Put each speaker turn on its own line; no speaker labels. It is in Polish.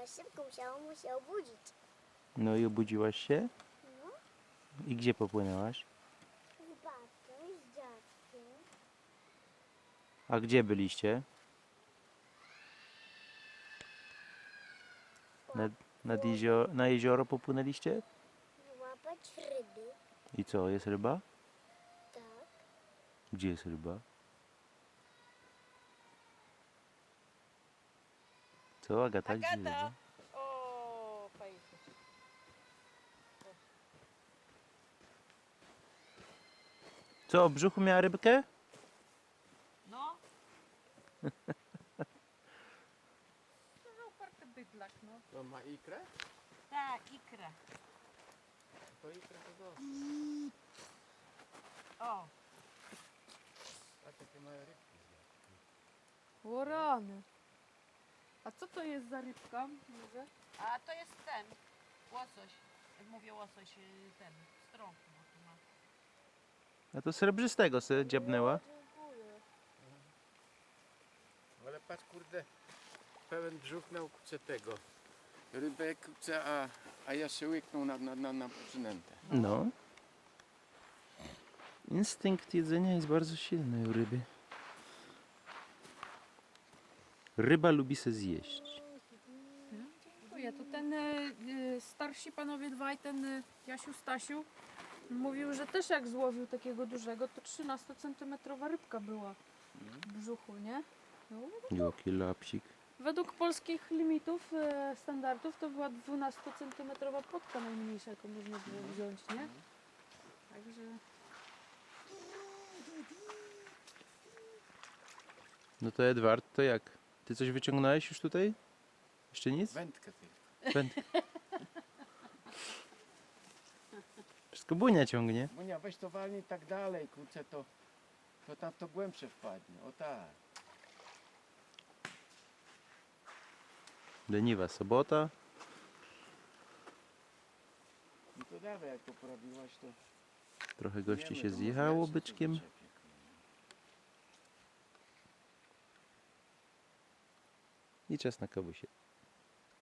szybko musiało mu się obudzić.
No i obudziłaś się?
No,
I gdzie popłynęłaś?
z babcią, z dziadkiem.
A gdzie byliście? Na jezioro popłynęliście?
Łapać ryby.
I co, jest ryba?
Tak.
Gdzie jest ryba? Co, Agata? Gdzie jest
Agata!
ryba?
O, fajnie.
Co, w brzuchu miała rybkę?
No. No, uparty bydlak, no.
To ma ikrę?
Tak, ikra.
To ikrę to dobrze.
O,
A takie małe rybki.
O rany. A co to jest za rybka? Może?
a to jest ten, łosoś. Mówię łosoś, ten, strąg. Bo tu ma.
A to srebrzystego se dziabnęła.
Dziękuję.
Ale patrz kurde, pełen brzuch na ukłucie tego. Rybek chce, a ja się łyknął na przynętę.
No. Instynkt jedzenia jest bardzo silny u ryby. Ryba lubi se zjeść.
Dziękuję. To ten starsi panowie dwaj, ten Jasiu, Stasiu, mówił, że też jak złowił takiego dużego, to 13-centymetrowa rybka była w brzuchu, nie? No,
Jaki lapsik.
według polskich limitów, standardów, to była 12-centymetrowa płotka najmniejsza, jaką można było wziąć, nie? Także...
No to Edward, to jak? Ty coś wyciągnąłeś już tutaj? Jeszcze nic?
Wędkę tylko.
Wędkę. Wszystko Bunia ciągnie.
Monia, weź to walnij tak dalej, kurczę, to tam to głębsze wpadnie. O tak.
Leniwa sobota.
No to dawaj, jak to porobiłaś, to...
Trochę gości
wiemy,
się
to
zjechało
można
byczkiem.
jeszcze zaczepić.
I czas na kawusie.